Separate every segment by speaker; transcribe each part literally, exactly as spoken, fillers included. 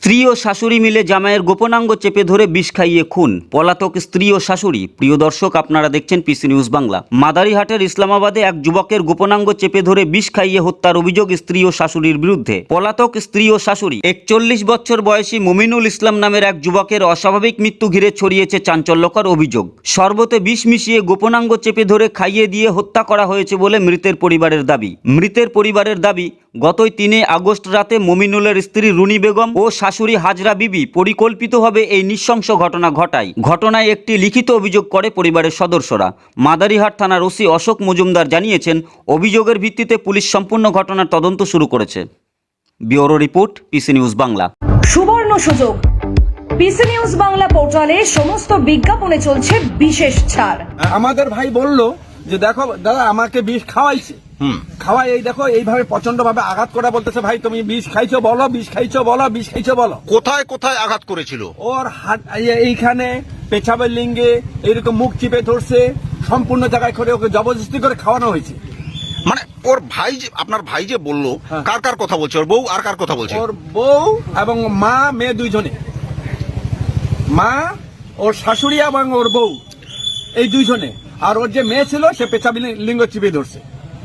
Speaker 1: স্ত্রী ও শাশুড়ি মিলে জামাইয়ের গোপনাঙ্গ চেপে ধরে বিষ খাইয়ে খুন, পলাতক স্ত্রী ও শাশুড়ি। প্রিয় দর্শক, আপনারা দেখছেন পিসি নিউজ বাংলা। মাদারিহাটের ইসলামাবাদে এক যুবকের গোপনাঙ্গ চেপে ধরে বিষ খাইয়ে হত্যার অভিযোগ স্ত্রী ও শাশুড়ির বিরুদ্ধে। পলাতক স্ত্রী ও শাশুড়ি। একচল্লিশ বছর বয়সী মুমিনুল ইসলাম নামের এক যুবকের অস্বাভাবিক মৃত্যু ঘিরে ছড়িয়েছে চাঞ্চল্যকর অভিযোগ। শরবতে বিষ মিশিয়ে গোপনাঙ্গ চেপে ধরে খাইয়ে দিয়ে হত্যা করা হয়েছে বলে মৃতের পরিবারের দাবি। মৃতের পরিবারের দাবি, গতই তিনে আগস্ট রাতে মুমিনুলের স্ত্রী রুনি বেগম ও শাশুড়ি হাজরা বিবি পরিকল্পিতভাবে এই নৃশংস ঘটনা ঘটায়। ঘটনায় একটি লিখিত অভিযোগ করে পরিবারের সদস্যরা। মাদারিহাট থানার ওসি অশোক মজুমদার জানিয়েছেন, অভিযোগের ভিত্তিতে পুলিশ সম্পূর্ণ ঘটনার তদন্ত শুরু করেছে। Bureau report, PC news Bangla.
Speaker 2: সুবর্ণ সুযোগ, পিসি নিউজ বাংলা পোর্টালে সমস্ত বিজ্ঞাপনে চলছে বিশেষ ছাড়।
Speaker 3: আমাদের ভাই বলল যে দেখো দাদা, আমাকে বিষ খাওয়াইছে, খাওয়াই এই দেখো এইভাবে প্রচন্ড ভাবে আঘাত করা, বলতেছে ভাই তুমি বিষ খাইছো বলো, বিষ খাইছো বলো, বিষ খাইছো বলো।
Speaker 4: কোথায় কোথায় আঘাত করেছিল?
Speaker 3: ওর হাত এইখানে, পেছাবের লিঙ্গে, এইরকম মুখ চিপে ধরছে, সম্পূর্ণ জায়গায় করে ওকে জবরদস্তি করে খাওয়ানো হয়েছে।
Speaker 4: মানে ওর ভাই যে, আপনার ভাই যে বললো, কার কার কথা বলছে? ওর বউ আর কার কথা বলছে?
Speaker 3: ওর বউ এবং মা, মেয়ে দুইজনে, মা, ওর শাশুড়ি এবং ওর বউ, এই দুইজনে। আর ওর যে মেয়ে ছিল সে পেছাবি লিঙ্গ চিপে ধরছে।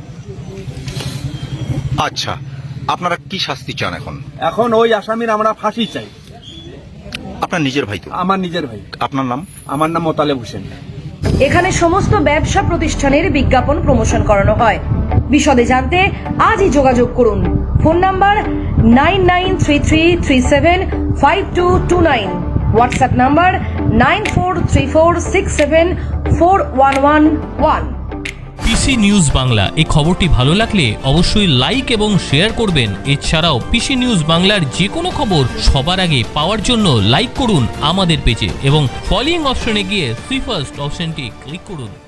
Speaker 4: আচ্ছা, আপনারা কি শাস্তি চান এখন?
Speaker 3: এখন ওই আসামির আমরা ফাঁসি চাই।
Speaker 4: আপনার নিজের ভাই তো?
Speaker 3: আমার নিজের ভাই।
Speaker 4: আপনার নাম?
Speaker 3: আমার নাম মোতালেব হোসেন।
Speaker 2: এখানে সমস্ত ব্যবসা প্রতিষ্ঠানের বিজ্ঞাপন প্রমোশন করানো হয়। বিশদে জানতে আজই যোগাযোগ করুন। Phone number nine nine three three three seven five two two nine, WhatsApp number nine four three four six seven four one one one.
Speaker 5: PC news Bangla এই খবরটি ভালো লাগলে অবশ্যই লাইক এবং শেয়ার করবেন। এছাড়াও পিসি নিউজ বাংলার যে কোনো খবর সবার আগে পাওয়ার জন্য লাইক করুন আমাদের পেজে এবং ফলোইং অপশনে গিয়ে সুই ফার্স্ট অপশনটি ক্লিক করুন।